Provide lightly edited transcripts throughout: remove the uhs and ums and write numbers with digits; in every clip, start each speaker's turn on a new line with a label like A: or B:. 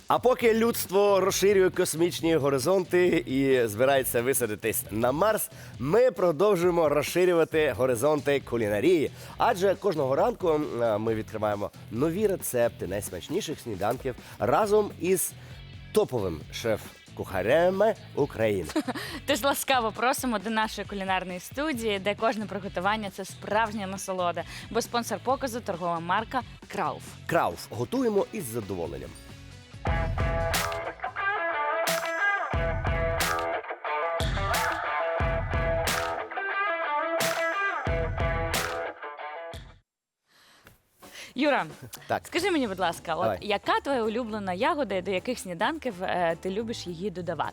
A: А поки людство розширює космічні горизонти і збирається висадитись на Марс, ми продовжуємо розширювати горизонти кулінарії. Адже кожного ранку ми відкриваємо нові рецепти найсмачніших сніданків разом із топовим шеф-кухарями України.
B: Тож ласкаво просимо до нашої кулінарної студії, де кожне приготування – це справжня насолода. Бо спонсор показу – торгова марка «Крауф».
A: Крауф. Готуємо із задоволенням.
B: Юра,
A: Так.
B: скажи мені, будь ласка,
A: Давай.
B: яка твоя улюблена ягода і до яких сніданків ти любиш її додавати?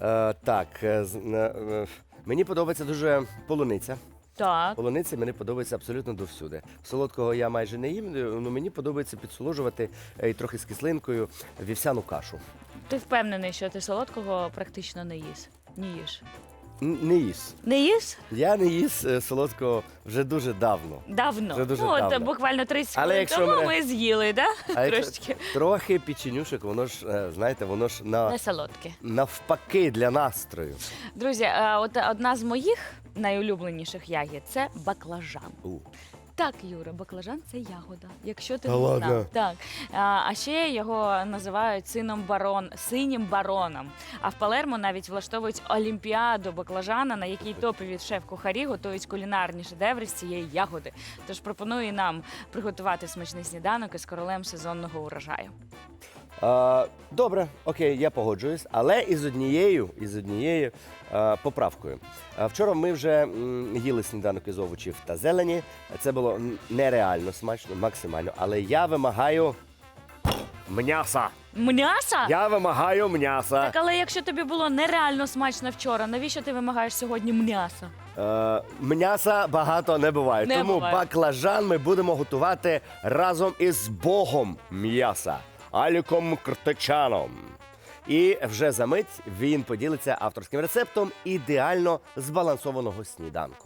A: Мені подобається дуже полуниця.
B: Так.
A: Полуниця мені подобається абсолютно довсюди. Солодкого я майже не їм, але мені подобається підсолоджувати і трохи з кислинкою вівсяну кашу.
B: Ти впевнений, що ти солодкого практично не їш? Не їш.
A: Не їс.
B: Не їш?
A: Я не їс солодкого вже дуже давно.
B: Давно.
A: Це дуже
B: Ну, от
A: давно.
B: буквально 30
A: Але
B: хвилин
A: якщо
B: тому
A: мене-
B: ми з'їли, да?
A: А якщо
B: Трошечки.
A: трохи печенюшок, воно ж, знаєте, воно ж
B: Не солодке.
A: навпаки для настрою.
B: Друзі, от одна з моїх найулюбленіших ягід – це баклажан. Так, Юра, баклажан – це ягода, якщо ти
A: Та
B: не
A: ладно?
B: знав. Так. А ще його називають синім бароном. А в Палермо навіть влаштовують олімпіаду баклажана, на якій топові шеф-кухарі готують кулінарні шедеври з цієї ягоди. Тож пропоную і нам приготувати смачний сніданок із королем сезонного урожаю.
A: Добре, окей, я погоджуюсь, але із однією поправкою. Вчора ми вже їли сніданок із овочів та зелені. Це було нереально смачно, максимально. Але я вимагаю м'яса.
B: М'яса?
A: Я вимагаю м'яса.
B: Так, але якщо тобі було нереально смачно вчора, навіщо ти вимагаєш сьогодні м'яса?
A: М'яса багато не буває.
B: Не
A: тому
B: буває.
A: баклажан ми будемо готувати разом із богом м'яса Аліком Кртичаном. І вже за мить він поділиться авторським рецептом ідеально збалансованого сніданку.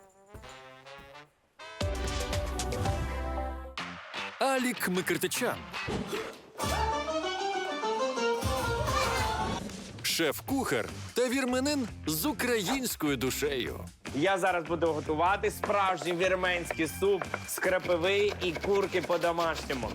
C: Алік Микртичан. Шеф-кухар та вірменин з українською душею.
D: Я зараз буду готувати справжній вірменський суп з крапиви і курки по-домашньому.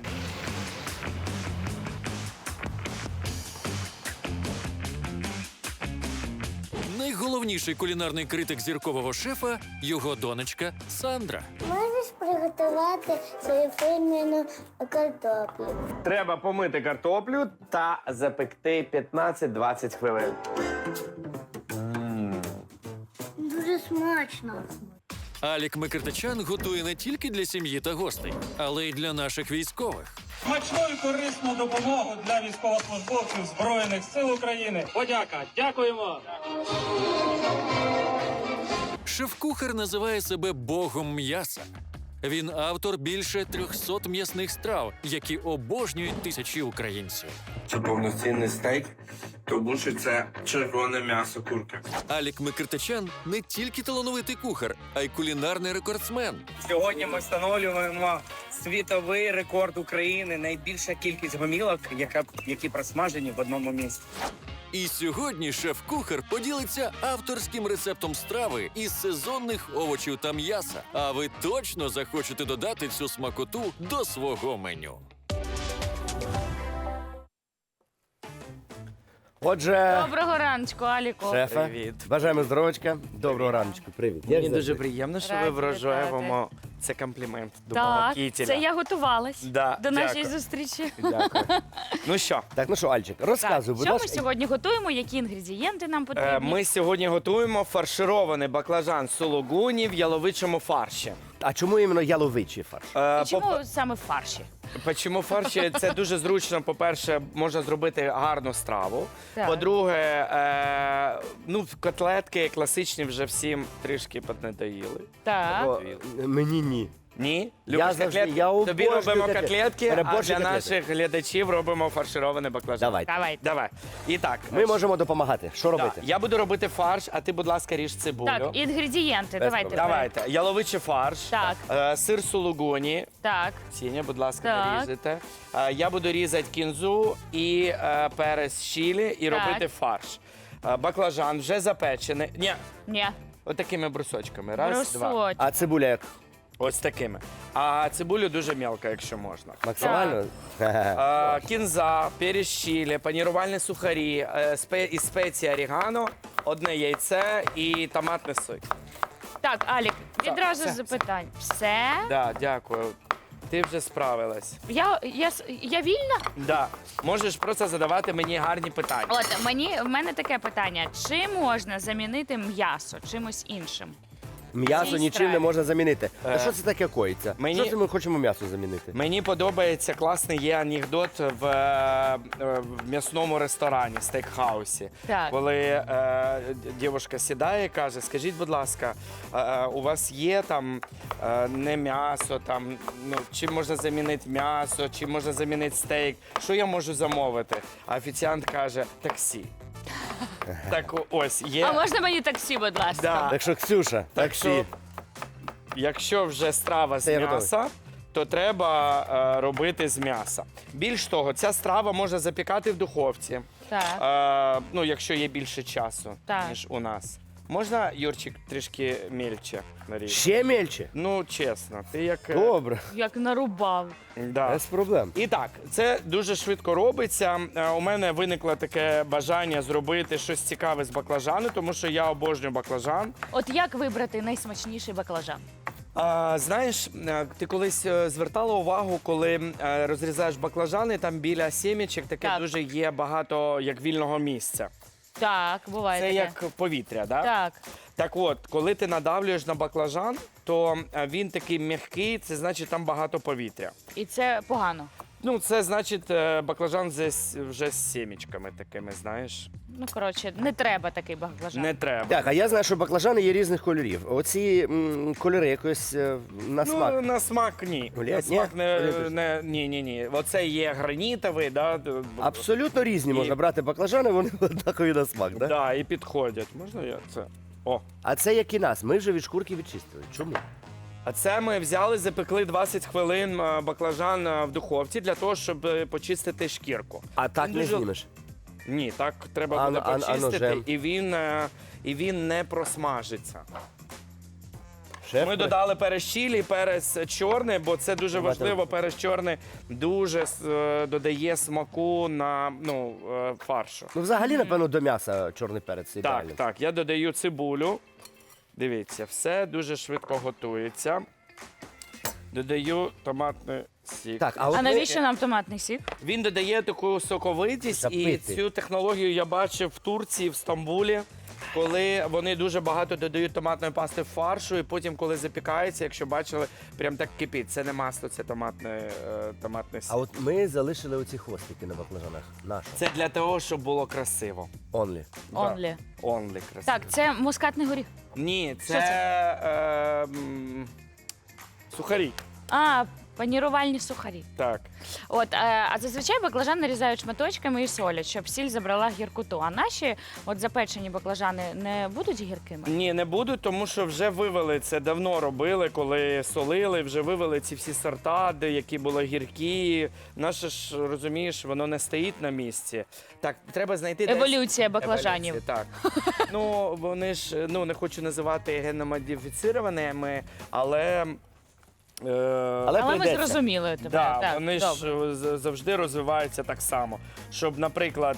C: Найголовніший кулінарний критик зіркового шефа – його донечка Сандра.
E: Можеш приготувати свою фірменну картоплю?
D: Треба помити картоплю та запекти 15-20 хвилин.
E: Дуже смачно.
C: Алік Микртичан готує не тільки для сім'ї та гостей, але й для наших військових.
F: Смачну і корисну допомогу для військовослужбовців Збройних сил України. Подяка. Дякуємо.
C: Шеф-кухар називає себе богом м'яса. Він автор більше 300 м'ясних страв, які обожнюють тисячі українців.
G: Це повноцінний стейк, тому що це червоне м'ясо курки.
C: Алік Микртичан не тільки талановитий кухар, а й кулінарний рекордсмен.
H: Сьогодні ми встановлюємо світовий рекорд України. Найбільша кількість гомілок, які просмажені в одному місці.
C: І сьогодні шеф-кухар поділиться авторським рецептом страви із сезонних овочів та м'яса. А ви точно захочете додати цю смакоту до свого меню.
A: Отже,
B: Доброго раночку, Аліку.
A: шефе,
H: Привіт.
A: бажаємо здоров'ячка. Доброго раночку, привіт. Як
H: Мені дуже
A: завжди.
H: приємно, що ви
B: Раді
H: врожаємо. Це комплімент до
B: Так,
H: мого кітеля.
B: це я готувалась
H: Да,
B: до нашої
H: дякую.
B: зустрічі.
H: Дякую. Ну що,
A: Так, ну що, Альчик, розказуй, будь
B: Що ми
A: ласка.
B: сьогодні готуємо, які інгредієнти нам потрібні?
H: ми сьогодні готуємо фарширований баклажан сулугуні в яловичому фарші.
A: А чому іменно яловичий фарш?
B: І чому саме в фарші?
H: Чому фарші? Це дуже зручно. По-перше, можна зробити гарну страву.
B: Так.
H: По-друге, котлетки класичні вже всім трішки піднадоїли.
B: Так.
A: Мені ні.
H: Ні?
A: Я
H: Любиш
A: завжди-
H: котлетки?
A: я
H: Тобі
A: обожнюю
H: робимо
A: котлети.
H: котлетки, а
A: Переборщу
H: для
A: котлети.
H: наших глядачів робимо фарширований баклажан.
A: Давай.
B: Давайте.
H: Давай. І так.
A: Ми можемо допомагати. Що
H: Да,
A: робити?
H: я буду робити фарш, а ти, будь ласка, ріж цибулю.
B: Так, інгредієнти,
A: Без
B: давайте.
A: проблем.
H: Давайте. Яловичий фарш,
B: Так.
H: сир сулугуні.
B: Так,
H: Сіня, будь ласка,
B: Так.
H: нарізайте. Я буду різати кінзу і перець чилі і
B: Так.
H: робити фарш. Баклажан вже запечений. Ні,
B: ні,
H: отакими брусочками. Раз, два.
B: брусочок.
A: А цибуля як?
H: Ось такими. А цибулю дуже мелко, якщо можна.
A: Максимально?
H: Кінза, перець чилі, панірувальні сухарі, із спеції орегано, одне яйце і томатний сок.
B: Так, Алік, відразу
H: все,
B: запитань. Все?
H: Да, дякую. Ти вже справилась.
B: Я вільна?
H: Да. Можеш просто задавати мені гарні питання.
B: От в мене таке питання: чи можна замінити м'ясо чимось іншим?
A: М'ясо
B: Цій
A: нічим
B: страві.
A: не можна замінити. А що це таке коїться?
H: мені-
A: Що це ми хочемо м'ясо замінити?
H: Мені подобається класний є анекдот в м'ясному ресторані, стейкхаусі.
B: Так.
H: Коли дівчинка сідає і каже: скажіть, будь ласка, у вас є там не м'ясо, там, ну, чим можна замінити м'ясо, чим можна замінити стейк, що я можу замовити? А офіціант каже: таксі. Так ось є.
B: А можна мені таксі, будь ласка?
H: Да.
A: Так що, Ксюша,
H: Так
A: таксі.
H: що, якщо вже страва з
A: Це я
H: м'яса, то треба робити з м'яса. Більш того, ця страва можна запікати в духовці,
B: Так.
H: ну, якщо є більше часу,
B: Так.
H: ніж у нас. Можна, Юрчик, трішки мельче нарізати?
A: Ще мельче?
H: Ну, чесно, ти як...
A: Добре,
B: Як нарубав.
H: Да.
A: без проблем.
H: І так, це дуже швидко робиться. У мене виникло таке бажання зробити щось цікаве з баклажану, тому що я обожнюю баклажан.
B: От як вибрати найсмачніший баклажан?
H: Знаєш, ти колись звертала увагу, коли розрізаєш баклажани, там біля сімечок таке
B: Так.
H: дуже є багато як вільного місця.
B: Так, буває
H: Це
B: таке.
H: як повітря, да?
B: Так.
H: Так от, коли ти надавлюєш на баклажан, то він такий м'який, це значить там багато повітря.
B: І це погано.
H: Ну, це значить баклажан вже з сімечками такими, знаєш.
B: Ну, коротше, не треба такий баклажан.
H: Не треба.
A: Так, а я знаю, що баклажани є різних кольорів. Оці кольори якось на смак.
H: Ну, на смак ні.
A: Гулять?
H: На смак
A: Ні? Гулять
H: ні. Оце є гранітовий, да?
A: Абсолютно різні
H: І-
A: можна брати баклажани, вони однакові на смак, так?
H: Да, і підходять. Можна я це? О.
A: А це як і нас, ми вже від шкурки відчистили. Чому?
H: А це ми взяли, запекли 20 хвилин баклажан в духовці для того, щоб почистити шкірку.
A: А так
H: Він
A: не
H: дуже-
A: знімеш.
H: Ні, так треба
A: А-
H: буде
A: а
H: почистити,
A: ножем?
H: і він не просмажиться.
A: Шеф,
H: Ми додали перець чилі, перець чорний, бо це дуже
A: Давайте.
H: важливо. Перець чорний дуже додає смаку на фаршу.
A: Ну, взагалі, напевно, до м'яса чорний перець
H: Так,
A: ідеальний.
H: так, я додаю цибулю. Дивіться, все дуже швидко готується. Додаю томатний сік.
A: Так,
B: А
A: от ми-
B: навіщо нам томатний сік?
H: Він додає таку соковитість, і
A: Запити.
H: цю технологію я бачив в Турції, в Стамбулі, коли вони дуже багато додають томатної пасти в фаршу, і потім, коли запікається, якщо бачили, прям так кипить. Це не масло, це томатний сік.
A: А от ми залишили оці хвостики на баклажанах. Наші.
H: Це для того, щоб було красиво.
A: Онлі.
B: Онлі.
H: Онлі красиво.
B: Так, це мускатний горіх.
H: Ні,
B: Що
H: це,
B: це?
H: Сухарі.
B: А, панірувальні сухарі.
H: Так.
B: От, а зазвичай баклажан нарізають шматочками і солять, щоб сіль забрала гіркоту. А наші от запечені баклажани не будуть гіркими?
H: Ні, не буду, тому що вже вивели це давно робили, коли солили, вже вивели ці всі сорта, які були гіркі. Наше ж, розумієш, воно не стоїть на місці. Так, треба знайти десь-
B: Еволюція баклажанів.
H: Еволюція, так. Ну, вони ж, не хочу називати генномодифіцированими, але.
B: Але ми
A: прийдеться.
B: зрозуміли тебе.
H: Да,
B: так,
H: вони
B: добре.
H: ж завжди розвиваються так само. Щоб, наприклад,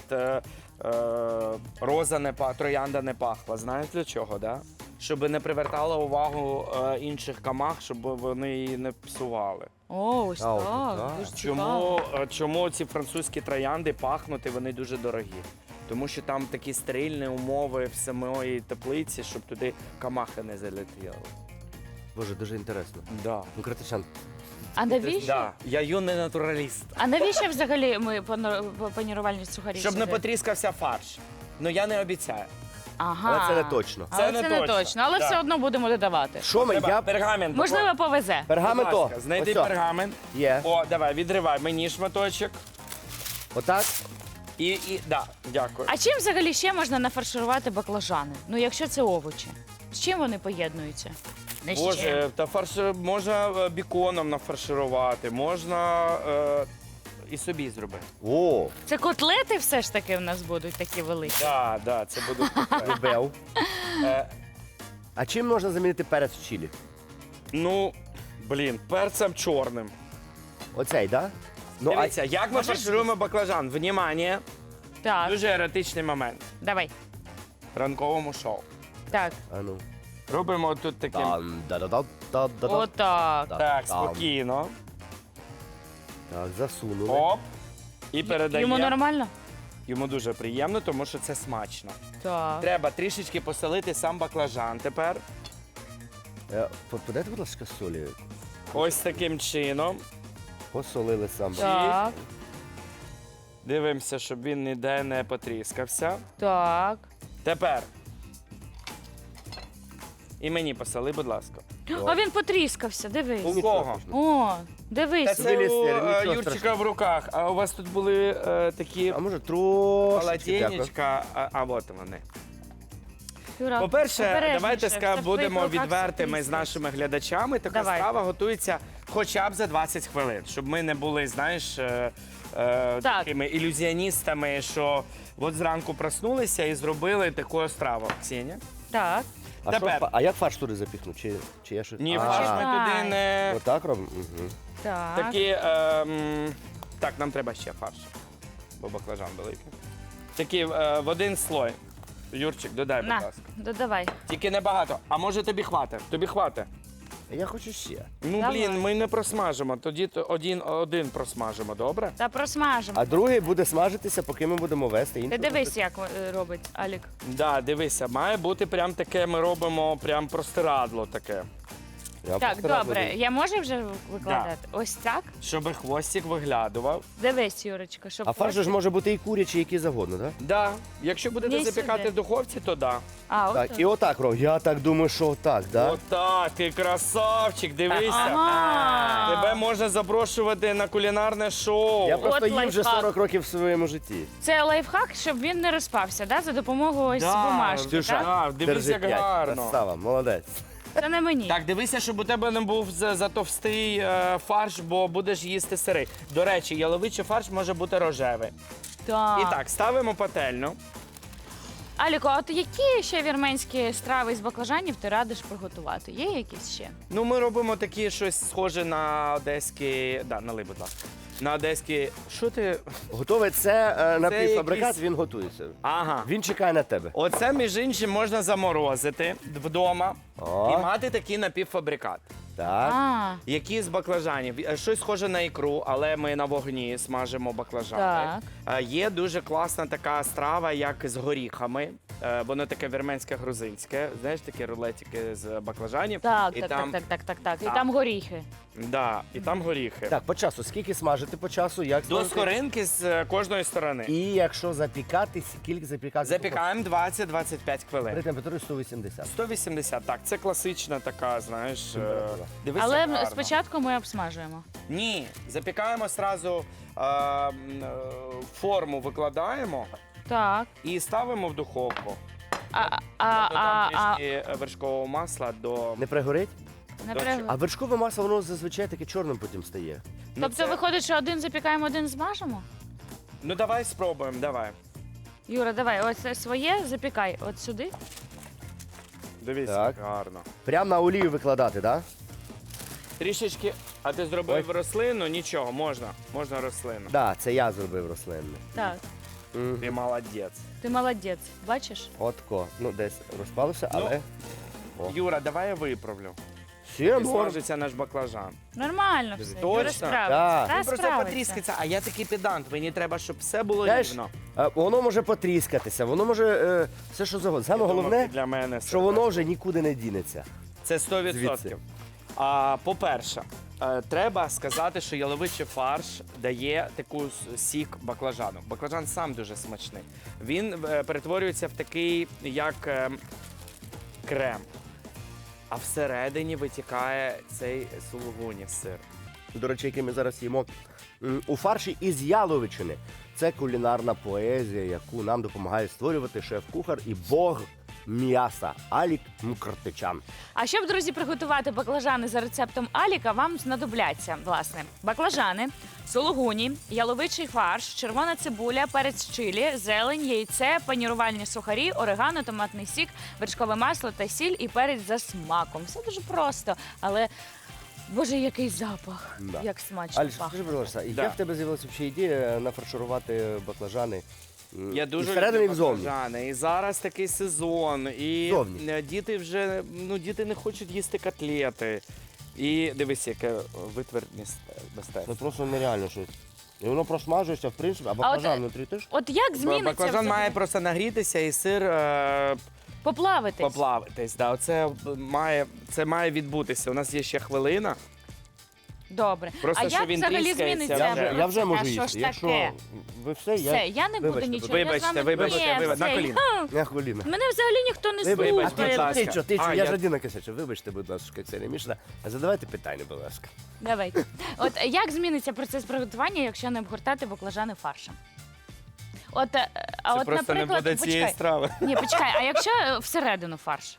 H: роза троянда не пахла. Знаєш для чого, да? Щоб не привертала увагу інших камах, щоб вони її не псували.
B: О, ось
A: А, от
B: так.
A: так.
B: Дуже цікаво.
H: Чому ці французькі троянди пахнуть, і вони дуже дорогі? Тому що там такі стерильні умови в самої теплиці, щоб туди камахи не залетіли.
A: Боже, дуже інтересно.
H: Да.
A: Ну, Кратичан,
B: А навіщо?
H: Да. Я юний натураліст.
B: А навіщо взагалі ми панірувальні сухарі?
H: Щоб не
B: сюди?
H: потріскався фарш. Ну я не обіцяю.
B: Ага.
A: Але це не точно.
B: Але
H: Це
B: це
H: не
B: не
H: точно.
B: точно. Але
H: Да.
B: все одно будемо додавати.
A: Що ми?
H: Треба
A: Я
H: пергамент.
B: Можливо, повезе.
A: пергамент.
H: Будь ласка, знайди
A: Ось о.
H: пергамент.
A: Є.
H: О, давай, відривай мені шматочок.
A: Отак.
H: Да, дякую.
B: А чим взагалі ще можна нафарширувати баклажани? Ну, якщо це овочі. З чим вони поєднуються? Не з чим.
H: Боже, та можна біконом нафарширувати, можна і собі зробити.
A: О,
B: Це котлети все ж таки в нас будуть такі великі.
H: Да, це буде.
A: любив.
H: Е,
A: А чим можна замінити перець в чилі?
H: Ну, блін, перцем чорним.
A: Оцей, так? Да? Ну,
H: Дивіться, як ми фаршируємо баклажан? Внимание,
B: Так,
H: дуже еротичний момент.
B: давай.
H: В ранковому шоу.
B: Так,
A: А ну.
H: Робимо тут таким.
A: Да-да-да-да-да-да.
B: отак.
H: Так,
A: Там.
H: спокійно.
A: Так, засунули.
H: Оп. І передаємо.
B: Йому нормально?
H: Йому дуже приємно, тому що це смачно.
B: Так.
H: Треба трішечки посолити сам баклажан тепер.
A: Подайте, будь ласка, солі.
H: Ось таким чином.
A: Посолили сам.
B: Так,
H: Дивимося, щоб він ніде не потріскався.
B: так.
H: Тепер. І мені посоли, будь ласка.
B: А він потріскався, дивись.
H: У кого?
B: О,
H: Та
B: дивись.
H: це у
A: Вилізти, нічого
H: Юрчика
A: страшного.
H: в руках. А у вас тут були такі
A: А може трошечки, дякую.
H: полотенечка, а от вони.
B: Юра,
H: По-перше,
B: обережніше,
H: давайте
B: все в твоїх
H: будемо
B: руках
H: відвертими з
B: все
H: нашими глядачами. Така
B: Давай.
H: страва готується хоча б за 20 хвилин, щоб ми не були, знаєш, такими ілюзіоністами, що от зранку проснулися і зробили таку страву. Ксенія?
B: Так.
A: А,
H: Тепер.
A: а як фарш туди запіхнути? Чи я щось?
H: Ні,
A: А,
H: фарш ми
B: Чекай.
H: туди не...
A: Отак робимо? Угу.
B: Так.
H: Такі, так, нам треба ще фарш, бо баклажан великий. Такі в один слой. Юрчик, додай, будь
B: На,
H: ласка.
B: додавай.
H: Тільки небагато. А може тобі хватить? Тобі хватить.
A: Я хочу ще.
H: Ну,
B: Давай.
H: блін, ми не просмажимо, тоді один просмажимо, добре?
B: Та просмажемо.
A: А другий буде смажитися, поки ми будемо вести.
B: Ти
A: Інший
B: дивись, як робить Алік.
H: Да, дивися, має бути прям таке, ми робимо прям простирадло таке.
A: Я
B: Так,
A: постараюсь
B: добре.
A: буде.
B: Я можу вже викладати? Ось так?
H: Щоб хвостик виглядував.
B: Дивись, Юрочка, щоб
A: А фарш же ж
B: ось-
A: може бути і курячий, який завгодно, так?
H: Да. Якщо будете
B: Ні,
H: запікати
B: сюди.
H: в духовці, то да.
B: А,
A: Так,
B: от
A: і отак робимо. Я так думаю, що отак, так?
H: Отак, ти красавчик, дивися.
B: Ага.
H: Тебе можна запрошувати на кулінарне шоу.
A: Я просто
B: От
A: їм вже
B: лайфхак.
A: 40 років в своєму житті.
B: Це лайфхак, щоб він не розпався, да? За допомогою ось бумажки,
A: Ксюша,
B: так?
H: Так, дивись,
A: Держи
H: як
A: 5.
H: гарно.
A: Красава, молодець.
B: Це не мені.
H: Так, дивися, щоб у тебе не був затовстий фарш, бо будеш їсти сирий. До речі, яловичий фарш може бути рожевий.
B: Так.
H: І так, ставимо пательню.
B: Аліко, а от які ще вірменські страви з баклажанів ти радиш приготувати? Є якісь ще?
H: Ну, ми робимо такі щось схоже на одеські. Да, налий, будь ласка. На одеські. Що ти.
A: Готовий це напівфабрикат,
H: якийсь-
A: він готується.
H: Ага.
A: Він чекає на тебе.
H: Оце, між іншим, можна заморозити вдома
A: О.
H: і мати такий напівфабрикат.
A: Так.
B: А,
H: Які з баклажанів? Щось схоже на ікру, але ми на вогні смажимо баклажани.
B: Так.
H: Є дуже класна така страва, як з горіхами. Воно таке вірменське грузинське. Знаєш, такі рулетики з баклажанів.
B: так,
H: і
B: так,
H: там,
B: так, так, так, так. І
H: Так.
B: там горіхи.
H: Да, і там горіхи.
A: Так, по часу. Скільки смажити по часу? Як
H: До
A: смажити?
H: скоринки з кожної сторони.
A: І якщо запікати, скільки запікати?
H: Запікаємо 20-25
A: При
H: хвилин.
A: температурі 180.
H: 180, так, це класична така, знаєш.
A: Температура.
H: Дивися,
B: Але
H: гарно.
B: спочатку ми обсмажуємо.
H: Ні, запікаємо одразу форму викладаємо
B: Так.
H: і ставимо в духовку.
B: А
H: Додам трішки вершкового масла до.
A: Не пригорить?
B: не
H: Добре.
B: приготуй.
A: А вершкове масло, воно зазвичай таке чорним потім стає.
H: Ну,
B: Тобто
H: це-
B: виходить, що один запікаємо, один змажемо?
H: Ну давай спробуємо, давай.
B: Юра, давай, ось це своє запікай от сюди.
H: Дивіться,
A: Так.
H: як гарно.
A: Прям на олію викладати, так?
H: Трішечки, а ти зробив
A: Ой.
H: рослину? Нічого, можна. Можна рослину.
A: Так, да, це я зробив рослинне.
B: Так,
A: Мгм.
H: Ти молодець.
B: ти молодець, бачиш?
A: Отко. Ну, десь розпалося,
H: Ну,
A: але. О.
H: Юра, давай я виправлю.
A: Ще
H: І
A: норм.
H: смажиться наш баклажан.
B: Нормально все.
H: Точно?
B: Юра справиться.
A: Так.
B: Та
H: Він просто
B: справиться.
H: потріскається, а я такий педант. Мені треба, щоб все було
A: Знаєш,
H: рівно.
A: воно може потріскатися, воно може все, що завгодно. Саме
H: Я думав,
A: головне,
H: ти для мене
A: що воно вже нікуди не дінеться.
H: це 100%.
A: Звідси.
H: По-перше, треба сказати, що яловичий фарш дає таку сік баклажану. Баклажан сам дуже смачний. Він перетворюється в такий, як крем. А всередині витікає цей сулугуні сир.
A: До речі, який ми зараз їмо у фарші із яловичини. Це кулінарна поезія, яку нам допомагає створювати шеф-кухар і бог м'яса Алік Мкртичан.
B: А щоб, друзі, приготувати баклажани за рецептом Аліка, вам знадобляться, власне, баклажани, сулугуні, яловичий фарш, червона цибуля, перець чилі, зелень, яйце, панірувальні сухарі, орегано, томатний сік, вершкове масло та сіль і перець за смаком. Все дуже просто, але, боже, який запах,
A: Да.
B: як смачно
A: Аліш,
B: пахне.
A: скажи, будь ласка,
H: Да.
A: як в тебе з'явилася взагалі ідея нафарширувати баклажани?
H: Я
A: і
H: дуже
A: всередині, і
H: люблю
A: взовні?
H: баклажани. І зараз такий сезон. І
A: Зовні.
H: діти вже діти не хочуть їсти котлети. І дивись, яке витвір мистецтва.
A: Це просто нереально щось. І воно просмажується, в принципі, а баклажан внутрі теж?
B: От як зміниться
H: Баклажан
B: взагалі?
H: має просто нагрітися і сир
B: Поплавитись.
H: поплавитись. Да, це має відбутися. У нас є ще хвилина.
B: Добре.
H: Просто,
B: а
H: що
B: як
H: він
B: взагалі
H: тріскається
B: зміниться?
H: вже.
A: Я вже можу
B: А що
A: їсти.
B: ж
A: Якщо
B: таке?
A: ви все,
B: Все, я не буду
A: Вибачте,
B: нічого.
H: вибачте,
B: я з вами...
H: вибачте,
B: Ні,
H: вибачте, на
B: все,
H: коліна.
A: Я хвилина.
B: Мене взагалі ніхто не
A: Вибачте,
H: будь
B: слухає.
H: ласка.
A: Ти
H: А,
A: я
H: я-
A: ж один накисачу. Вибачте, будь ласка, Ксенія Мішна. Задавайте питання, будь ласка.
B: Давайте. От як зміниться процес приготування, якщо не обгортати баклажани фаршем? От, а
H: Це
B: от,
H: просто не
B: наприклад,
H: буде цієї
B: почекай.
H: страви.
B: Ні, почекай, а якщо всередину фарш?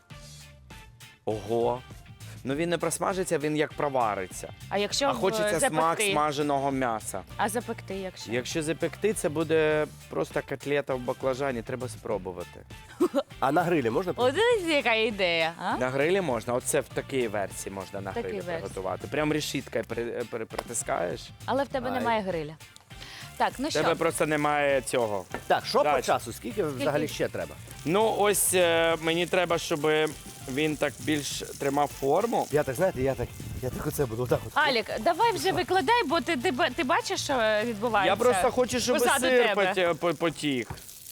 H: Ого. Ну він не просмажиться, він як провариться.
B: А якщо
H: А хочеться
B: запекти?
H: смак смаженого м'яса.
B: А запекти, якщо?
H: Якщо запекти, це буде просто котлета в баклажані, треба спробувати.
A: А на грилі можна?
B: От дивіться, яка ідея, а?
H: На грилі можна, оце в такій версії можна на
B: Такій
H: грилі
B: версії.
H: приготувати. Прям решіткою притискаєш.
B: Але в тебе
H: Ай.
B: немає гриля. Так, ну
H: В тебе
B: що?
H: просто немає цього.
A: Так, що по
H: Дальше.
A: часу? Скільки взагалі ще треба?
H: Ну, ось мені треба, щоб він так більш тримав форму.
A: Я так, знаєте, я так оце буду отак от.
B: Алік, давай вже викладай, бо ти бачиш, що відбувається?
H: Я просто хочу, щоб
B: позаду
H: сир
B: тебе.
H: потік.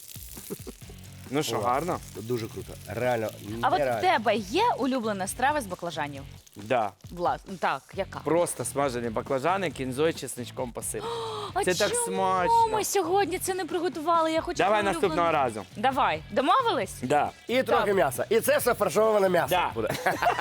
H: Ну що,
A: О.
H: гарно?
A: Дуже круто. Реально,
B: А от в
A: нереально.
B: тебе є улюблена страва з баклажанів?
H: Да.
B: Власне, так, яка?
H: Просто смажені баклажани, кінзою, чесничком посип.
B: А
H: Це так
B: чому
H: смачно.
B: ми сьогодні це не приготували? Я хочу
H: Давай
B: твою
H: наступного
B: улюблену.
H: разу.
B: Давай, домовились?
H: Да.
A: І трохи м'яса. І це все фаршоване м'ясо
H: Да.
A: буде.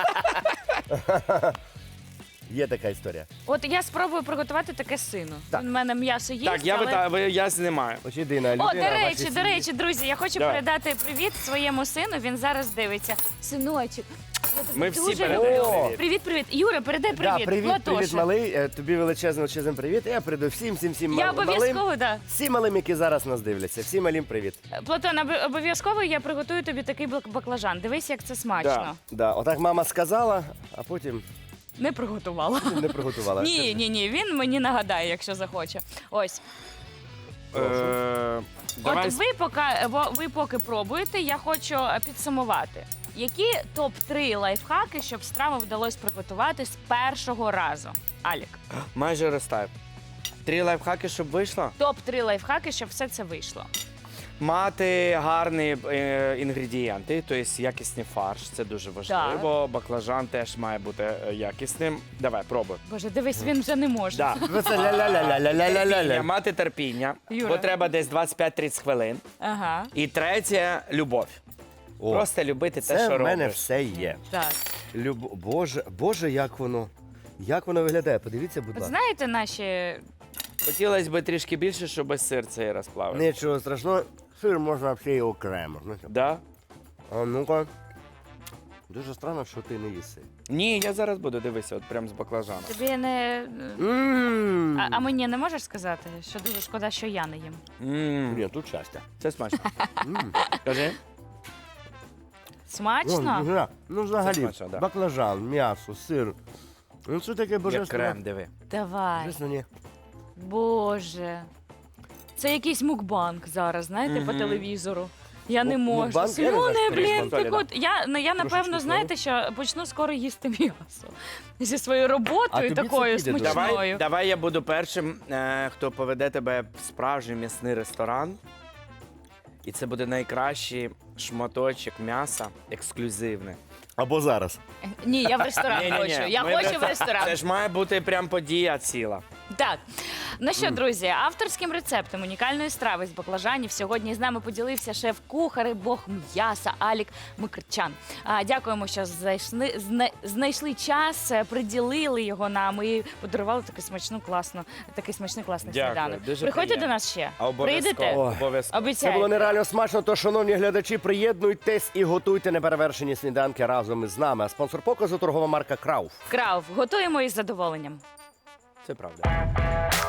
A: Є така історія.
B: От я спробую приготувати таке сину.
A: Так.
B: У мене м'ясо є.
H: Так, я знімаю.
A: Ось єдина
B: О,
A: людина.
B: до
A: в вашій
B: речі,
A: сім'ї.
B: друзі, я хочу
H: Давай.
B: передати привіт своєму сину. Він зараз дивиться. Синочок. Я тебе
H: Ми всі
B: дуже
H: передаємо
B: люблю.
H: привіт.
B: Привіт, привіт. Юра, передай
A: Да,
B: привіт.
A: привіт,
B: Платоша.
A: привіт, малий. Тобі величезний привіт. Я передаю всім
B: Я
A: малим.
B: обов'язково, да.
A: Всім малим, які зараз нас дивляться. Всім малим привіт.
B: Платон, обов'язково я приготую тобі такий баклажан. Дивись, як це смачно.
A: Да, отак мама сказала, а потім
B: Не приготувала.
A: не приготувала.
B: Ні, ні, ні, він мені нагадає, якщо захоче. Ось.
H: Давай
B: От ви поки пробуєте, я хочу підсумувати. Які топ-3 лайфхаки, щоб страву вдалося приготувати з першого разу? Алік.
H: майже розтав. 3 лайфхаки, щоб вийшло.
B: Топ-3 лайфхаки, щоб все це вийшло.
H: Мати гарні інгредієнти, тобто якісний фарш, це дуже важливо. Баклажан теж має бути якісним. Давай, пробуй.
B: Боже, дивись, він вже не може.
H: Да.
A: Ви це ля-ля-ля-ля-ля-ля-ля-ля.
H: Мати терпіння,
B: Юра.
H: бо треба десь 25-30 хвилин.
B: Ага,
H: І третє любов.
A: О,
H: Просто любити те,
A: це
H: що
A: в мене
H: робиш.
A: все є.
B: так.
A: Боже, як воно виглядає. Подивіться, будь
B: От
A: ласка.
B: знаєте наші...
H: Хотілося б трішки більше, щоб сир цей розплавив.
A: Нічого страшного, сир можна взагалі і окремо. знаєте.
H: Да?
A: А ну-ка. Дуже странно, що ти не їси.
H: Ні, я зараз буду дивися, от прям з баклажаном.
B: Тобі не...
A: Ммм.
B: А мені не можеш сказати, що дуже шкода, що я не їм?
A: Ні, тут щастя.
H: Це смачно.
A: М.
H: Кажи.
B: Смачно?
A: Ну, взагалі,
H: смачно, да.
A: баклажан, м'ясо, сир. Ну, це таке
H: Як
A: божественне.
H: крем, диви.
B: Давай.
A: Чесно, ні.
B: Боже. Це якийсь мукбанк зараз, знаєте, по
H: Мгм.
B: телевізору. Я не можу.
A: Мукбанк? Я не знаю,
B: Слюни,
A: що
B: блін,
H: мукбанк.
B: так от. Я напевно,
A: Трошечки
B: знаєте, що почну скоро їсти м'ясо. Зі своєю
A: А
B: роботою
A: тобі це
B: такою
A: піде дуже.
B: смачною.
H: Давай я буду першим, хто поведе тебе в справжній м'ясний ресторан. І це буде найкращий шматочок м'яса, ексклюзивний.
A: Або зараз.
B: Ні, я в ресторан
H: Ні-ні-ні,
B: хочу. Я
H: ми
B: хочу в
H: просто-
B: ресторан.
H: Це ж має бути прям подія ціла.
B: Так, ну що, друзі, авторським рецептом унікальної страви з баклажанів сьогодні з нами поділився шеф-кухар і бог м'яса Алік Микрчан. Дякуємо, що знайшли час, приділили його нам і подарували такий смачний класний
H: Дякую,
B: сніданок.
H: дуже
B: Приходьте
H: приємно.
B: до нас ще.
H: Обов'язково.
B: Прийдете?
H: Обов'язково.
A: Це
B: Обіцяю.
A: було нереально смачно, то, шановні глядачі, приєднуйтесь і готуйте неперевершені сніданки разом із нами. А спонсор показу торгова марка Крауф.
B: Крауф, готуємо із задоволенням.
H: Це правда.